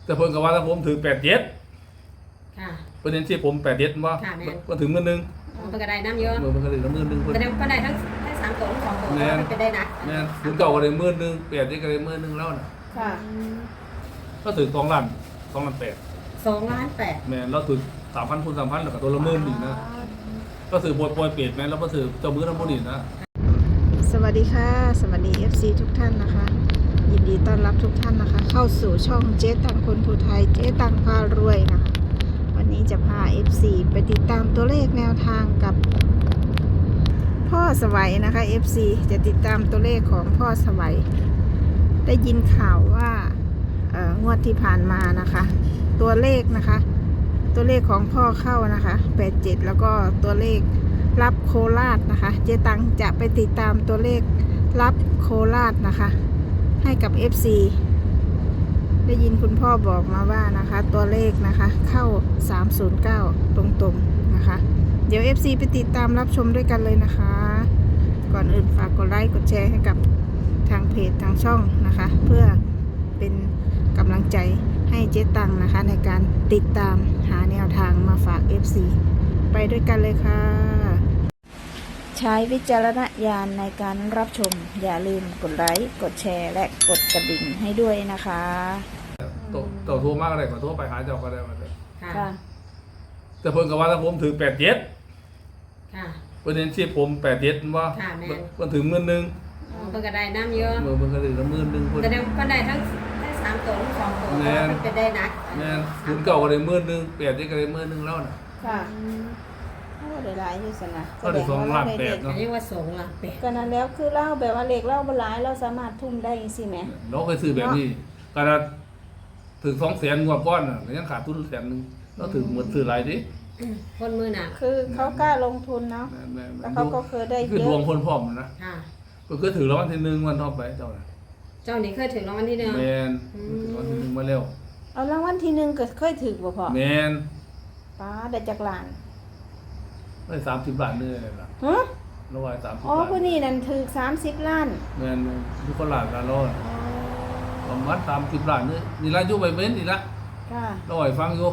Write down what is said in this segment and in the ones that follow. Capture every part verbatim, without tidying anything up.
แต่เพิ่นก็ว่าถ้าผมถือแปดเจ็ดค่ะประเด็นที่ผมแปดเจ็ดว่าก็ถึงมื้อนึงมันก็ได้น้ำเยอะมื้อมันก็ได้มื้อนึงเพิ่นแสดงก็ได้ทั้งทั้งสามตัวทั้งสองตัวมันเป็นได้นักแม่นถึงเก่าก็ได้มื้อนึงแปดเจ็ดก็ได้มื้อนึงแล้วน่ะค่ะก็ถึงสองล้านสองล้านแปดสองล้านแปดแม่นเราถึงสามพันคูณสามพันแล้วก็ตัวละหมื่นอีกนะก็ถือปล่อยๆเป็ดแม่นแล้วก็ถือเจ้ามื้อทั้งหมดนี่นะสวัสดีค่ะสวัสดี เอฟ ซี ทุกท่านนะคะยินดีต้อนรับทุกท่านนะคะเข้าสู่ช่องเจ๊ตังคนภูไทยเจ๊ตังพารวยนะคะวันนี้จะพา เอฟ ซี ไปติดตามตัวเลขแนวทางกับพ่อสวัยนะคะ เอฟ ซี จะติดตามตัวเลขของพ่อสวัยได้ยินข่าวว่าเอ่องวดที่ผ่านมานะคะตัวเลขนะคะตัวเลขของพ่อเข้านะคะแปดเจ็ดแล้วก็ตัวเลขรับโคราชนะคะเจ๊ตังจะไปติดตามตัวเลขรับโคราชนะคะให้กับ เอฟ ซี ได้ยินคุณพ่อบอกมาว่านะคะตัวเลขนะคะเข้าสามศูนย์เก้าตรงๆนะคะเดี๋ยว เอฟ ซี ไปติดตามรับชมด้วยกันเลยนะคะก่อนอื่นฝากกดไลค์กดแชร์ให้กับทางเพจทางช่องนะคะเพื่อเป็นกำลังใจให้เจ๊ตังนะคะในการติดตามหาแนวทางมาฝาก เอฟ ซี ไปด้วยกันเลยค่ะใช้วิจารณญาณในการรับชมอย่าลืมกดไลค์กดแชร์และกดกระดิ่งให้ด้วยนะคะตัวตัวโทรมากอะไรก็โทรไปหาเจ้าก็ได้มาเลยค่ะแต่เพิ่นก็ว่าถ้าผมถือแปดเจ็ดค่ะประเด็นที่ผมแปดเจ็ดว่าก็ถึงมื้อนึงมันก็ได้น้ำเยอะมื้อมันก็ได้มื้อนึงเพิ่นแสดงก็ได้ทั้งทั้งสามตัวทั้งสองตัวมันเป็นได้นักแม่นถึงเก่าก็ได้มื้อนึงแปดเจ็ดก็ได้มื้อนึงแล้วน่ะค่ะโอ้ได้หลายอยู่ซั่นน่ะก็ได้สองล้านแปดเนาะเรียกว่าสองล้านแปดก็นั้นแล้วคือเล่าแบบว่าเลขเล่าบ่หลายเราสามารถทุ่มได้จังซี่แหมเราเคยซื้อแบบนี้ก็ได้ถึงสองแสนงวดก่อนน่ะยังขาดทุนแสนนึงเราถึงหมดซื้อหลายดิคนมือหนักคือเขากล้าลงทุนเนาะแล้วเขาก็เคยได้เยอะคือดวงคนพร้อมนะค่ะก็คือถือรางวัลที่หนึ่งวันท็อปไปเจ้าน่ะเจ้านี่เคยถึงรางวัลที่หนึ่งแม่นถึงรางวัลที่หนึ่งมาแล้วเอารางวัลที่หนึ่งก็เคยถึกบ่พ่อแม่นป้าได้จักล้านได้สามสิบล้านเด้อล่ะฮะร้อยสามสิบอ๋อผู้นี้นั่นถึกสามสิบล้านแม่นทุกคนล้านละร้อยประมาณสามสิบล้านนี่นี่ละอยู่ไปเว้นนี่ละค่ะเราให้ฟังอยู่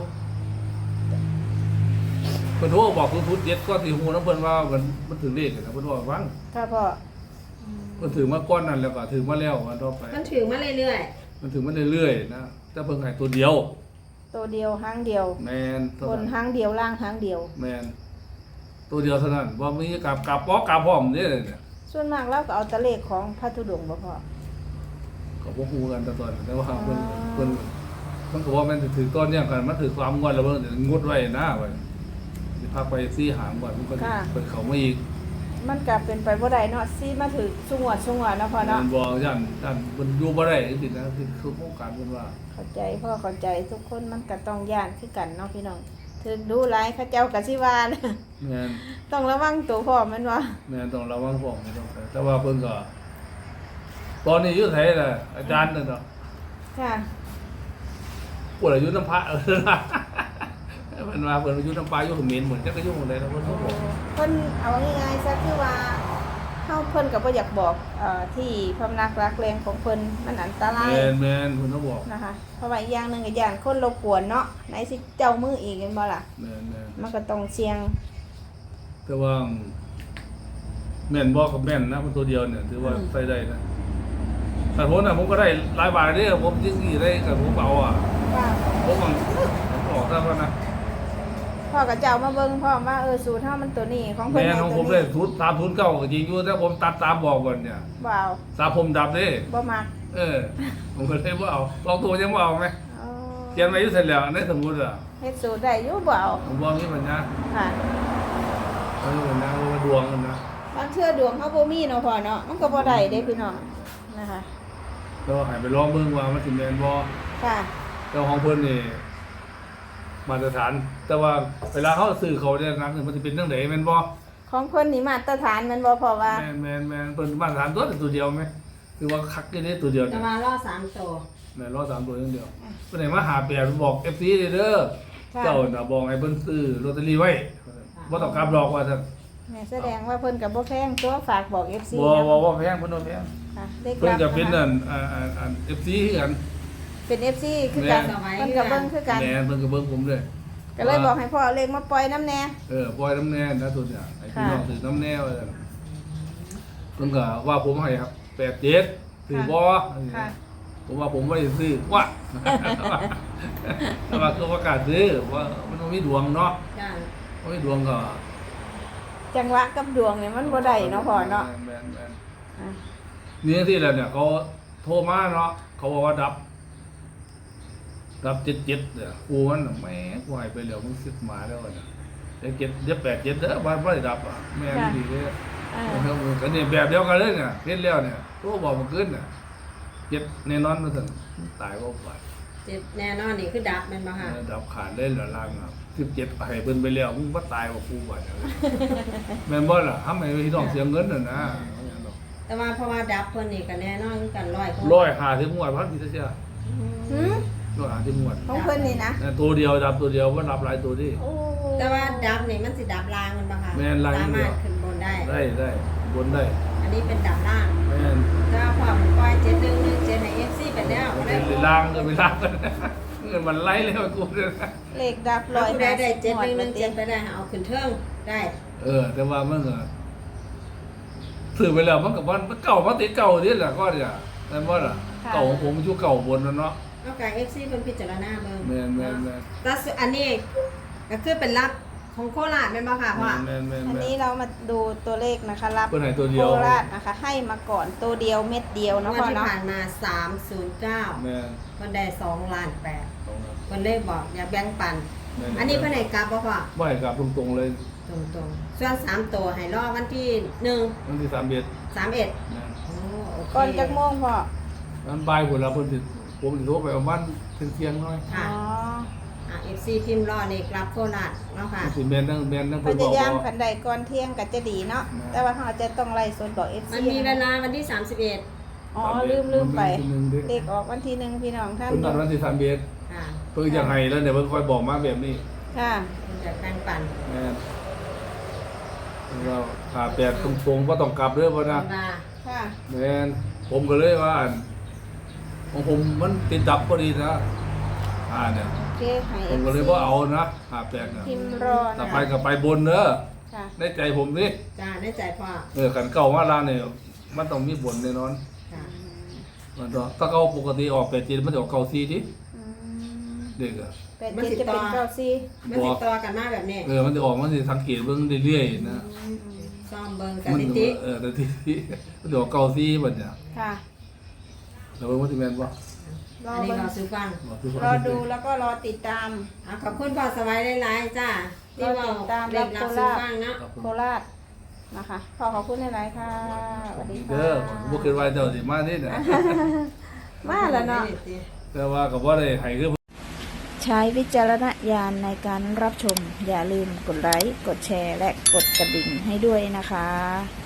เพิ่นโทรบอกทุนๆเจ็ดก็สิฮู้นำเพิ่นว่ามันมันถึงเลขนะเพิ่นว่าฟังค่ะพ่อเพิ่นถึงมาก่อนนั้นแล้วก็ถึงมาแล้ววันต่อไปมันถึงมาเรื่อยๆมันถึงมาเรื่อยๆนะแต่เพิ่นให้ตัวเดียวตัวเดียวหางเดียวแม่นบนหางเดียวล่างหางเดียวแม่นตัวเดียวเท่านั้นบ่มีกับกับปอกกับพร้อมนี่เนี่ยส่วนมากเราก็เอาตะเลขของพระธุดงค์บ่พ่อก็บ่ฮู้กันแต่ตอนแต่ว่าเพิ่นเพิ่นมันก็ว่าแม่นถือต้นเนี่ยกันมันถือความงวดแล้วเพิ่นงดไว้นะว่าสิพาไปซี่หางก่อนมันก็เพิ่นเข้ามาอีกมันก็เป็นไปบ่ได้เนาะซี่มาถึกสุงวดสุงวดเนาะพ่อเนาะมันบ่ย่านย่านมันอยู่บ่ได้จังซี่นะคือคือโครงการเพิ่นว่าเข้าใจพ่อเข้าใจทุกคนมันก็ต้องย่านคือกันเนาะพี่น้องถึงดูหลายเขาเจ้าก็สิว่านะแม่นต้องระวังตัวพ่อมันว่าแม่นต้องระวังพวกนี้ต้องแต่ว่าเพิ่นก็ตอนนี้อยู่ไสล่ะอาจารย์นั่นเนาะค่ะปวดอายุน้ำพระเออมันมาเพิ่นอายุน้ำปลาอยู่เขมรเหมือนจักก็อยู่หม้องใดแล้วเพิ่นบ่บอกเพิ่นเอาง่ายๆซะคือว่าเฮาเพิ่นก็บ่อยากบอกเอ่อที่พำนักรักแรงของเพิ่นมันอันตรายแม่นๆเพิ่นก็บอกนะคะเพราะว่าอีกอย่างนึงก็ย่านคนรบกวนเนาะไหนสิเจ้ามืออีกแม่นบ่ล่ะแม่นๆมันก็ต้องเสี่ยงแต่ว่าแม่นบ่กับแม่นนะมันตัวเดียวเนี่ยถือว่าใส่ได้นะแต่ผมน่ะผมก็ได้หลายบาทเด้อผมจริงๆได้ก็ผมเอาอ่ะว่าผมมันออกซะว่านะพ่อกับเจ้ามาเบิ่งพ่อว่าเออสูตรเฮามันตัวนี้ของเพิ่นแม่ของผมได้ทุนตามทุนเก่าก็จริงอยู่แต่ผมตัดตามบอกก่อนเนี่ยบ่เอาสาผมดับเด้บ่มักเออผมก็เลยบ่เอาลองตัวยังบ่เอามั้ยอ๋อเขียนไว้อยู่เสร็จแล้วในสมุดอ่ะเฮ็ดสูตรได้อยู่บ่เอาผมบ่มีปัญญาค่ะเออมันนะว่าดวงมันนะบางเทื่อดวงเฮาบ่มีเนาะพ่อเนาะมันก็บ่ได้เด้พี่น้องนะคะก็ให้ไปลองเบิ่งว่ามันสิแม่นบ่ค่ะแต่ของเพิ่นนี่มาตรฐานแต่ว่าเวลาเขาซื้อเขาเนี่ยนะมันจะเป็นเรื่องไหนแม่นบ่ของเพิ่นนี่มาตรฐานแม่นบ่เพราะว่าแม่นแม่นแม่นเพิ่นมาตรฐานตัวตัวเดียวมั้ยคือว่าคักอยู่ในตัวเดียวแต่ว่ารอสามตัวแม่นรอสามตัวอย่างเดียวเพิ่นให้มาหาแปดบอก เอฟ ซี เด้อเจ้าน่ะบอกให้เพิ่นซื้อลอตเตอรี่ไว้บ่ต้องกลับดอกว่าซั่นแม่แสดงว่าเพิ่นก็บ่แพงตัวฝากบอก เอฟ ซีบ่บ่บ่แพงเพิ่นบ่แพงค่ะเพิ่นก็เป็นอันอันอัน เอฟ ซี คือกันเป็น เอฟ ซี คือกันแม่เพิ่นก็เบิ่งคือกันแม่เพิ่นก็เบิ่งผมด้วยก็เลยบอกให้พ่อเอาเลขมาปล่อยน้ำแน่เออปล่อยน้ำแน่นะตัวเนี่ยไอ้พี่ค่ะน้องถือน้ำแน่ว่าซั่นเพิ่นก็ว่าผมให้ครับแปดเจ็ดถือบ่ค่ะผมว่าผมไม่ได้ซื้อว่า แต่ว่าคือประกล้าศซื้อว่ามันบ่มีดวงเนาะจ้าบ่มีดวงก็จังหวะกับดวงเนี่ยมันบ่ได้เนาะพ่อเนาะแม่นแม่นอ่ะนี่ที่แล้วเนี่ยเขาโทรมาเนาะเขาบอกว่าดับ ดับเจ็ดเจ็ดเนี่ยกูมันน่ะแหม่กูให้ไปแล้วมึงสิบมาแล้วเนี่ยเจ็ดเจ็ดเจ็ดแปดเจ็ดเด้อบ้านไม่ได้ดับอ่ะแม่ไม่ดีเลยอ่ากันเนี่ยแบบเดียวกันเลยเนี่ยเล่นแล้วเนี่ยตัวบอกมันขึ้นเนี่ยเจ็ดแน่นอนมาถึงตายก็ไปเจ็บแน่นอนนี่คือดับแม่นบ่ค่ะดับขาดเล่นเหลือล่างอ่ะสิบเจ็ดให้เพิ่นไปแล้วมึงว่าตายกว่ากูบ่เนี่ยแม่นบ่ล่ะทำไมพี่น้องเสียเงินน่ะนะแต่ว่าเพราะว่าดับเพิ่นนี่ก็แน่นอนคือกันร้อยคนร้อยหาถึงงวดพันกี่เสียหืมร้อยหาถึงงวดของเพิ่นนี่นะแต่ตัวเดียวดับตัวเดียวว่าดับหลายตัวดิโอ้แต่ว่าดับนี่มันสิดับล่างมันบ่ค่ะแม่นล่างสาเดีมารยวถขึ้นบนได้ได้ได้บนได้อันนี้เป็นดับล่างแม่นถ้าพอมันปล่อยเจ็ดหนึ่งหนึ่งเจ็ดในเอฟซีไปแล้วก็ได้เป็นล่างก็ไปล่างกันเงินมันไล่เลยว่ากูเนี่ยนะเลขดับร้ร้ออย ยได้ได้ห้าสิบเจ็ดหมหวนึ่ดงหมานึ่งติเจ็ดไปได้เอาขึ้นเทิงได้เออ แต่ว่ามันก็ซื้อไปแล้วมันกับมันมันเก่ามาติดเก่านี่แหละก็เนี่ยนั่นว่าล่ะเก่าของผมมันอยู่เก่าบนนั่นเนาะนอกจากเอฟซีเพิ่นพิจารณาเบิ่งแม่นแม่นแม่นแต่อันนี้ก็คือเป็นรับของโคราชแม่นบ่ค่ะพ่อแม่นแม่นอันแม่นี้นเรามาดูตัวเลขนะคะรับเพิ่นให้ตัวเดีโคยวราชนะคะ ให้มาก่อนตัวเดียวเม็ดเดียวงเนาะวดพ่อที่เนาะผ่านมาสามศูนย์เก้าแม่นเพิ่นได้สองล้านแปดตรงนั้นเพิ่นเลยบอกอย่าแบ่งปันแม่นอันนี้เพิ่นให้กลับบ่พ่อไม่กลับตรงๆเลยตรงๆส่วนสามตัวให้รอวันที่หนึ่งวันที่สามเอ็ดสามเอ็ดแม่นโอ้โอเคก่อนจากโมงพ่อนั้นบ่ายพุ่นละเพิ่นสิผมสิโทรไปประมาณเที่ยงๆหน่อยค่ะอ๋ออ่ะ เอฟ ซี พิมพ์รอนี่กลับโคราชเนาะค่ะสิแม่นนั่งแม่นนั่งพเพิ่นบยาอกยามว่าขันใดก่อนเที่ยงก็จะดีเนาะแม่แต่ว่าเราจะต้องไล่สดบอก เอฟ ซีมันมีเวลาวันที่สามสิบเอ็ดอ๋อลืมลืมไปวันที่หนึ่งเด้เลขออกวันที่หนึ่งพี่น้องท่านเพิ่นนัดวันที่สามเอ็ดค่ะเพิ่นจะให้แล้วเนี่ยเพิ่นค่อยบอกมาแบบนี้ค่ะมันจะแบ่งปันแม่นเราขาแปดตรงๆว่าต้องกลับเด้อพ่อนะเวลาค่ะแม่นผมก็เลยว่าอั่นของผมมันติดดับพอดีนะอ่าเนี่ยโอเคให้ผเอมฟก็เลยซีว่าเอานะขาแปดเนี่ยพิมพ์รอต่อนะไปคะก็ไปบนเด้อค่ะในใจผมนี่จ้าได้ใจพ่อเออขันเก่ามาลาเนี่ยมันต้องมีบนแน่นอนค่ะมันต้องถ้าเขาปกติออกแปดจีนมันจะออกเก้าซีดิอืมเด็กอะแปดเจ็ดจะเป็นเก้าสี่มันติดต่อกันมาแบบนี้เออมันจะออกมันจะสังเกตเบิ่งเรื่อยๆนะซ่อมเบิ่งสมันถิติเออแต่ที่มันจะออกเก้าซีบัดเนี่ยค่ะแล้วเบิ่งว่าสิแม่นบ่รออันนี้เบิ่งเราซื้อฟังบอกทุกคนรอดูแล้วก็รอติดตามอ่ะขอบคุณพ่อสวัยหลายๆจ้าที่เว่าติดตามเรียกรัรับบ โคราชซื้อฟังเนาะขอบคุณโคราชนะคะขอขอบคุณหลายๆค่ะสวัสดีค่ะเด้อบ่คิดว่าเจ้าสิมานี่นะมาแล้วเนาะแต่ว่าก็บ่ได้ให้คือใช้วิจารณญาณในการรับชม อย่าลืมกดไลค์ กดแชร์ และกดกระดิ่งให้ด้วยนะคะ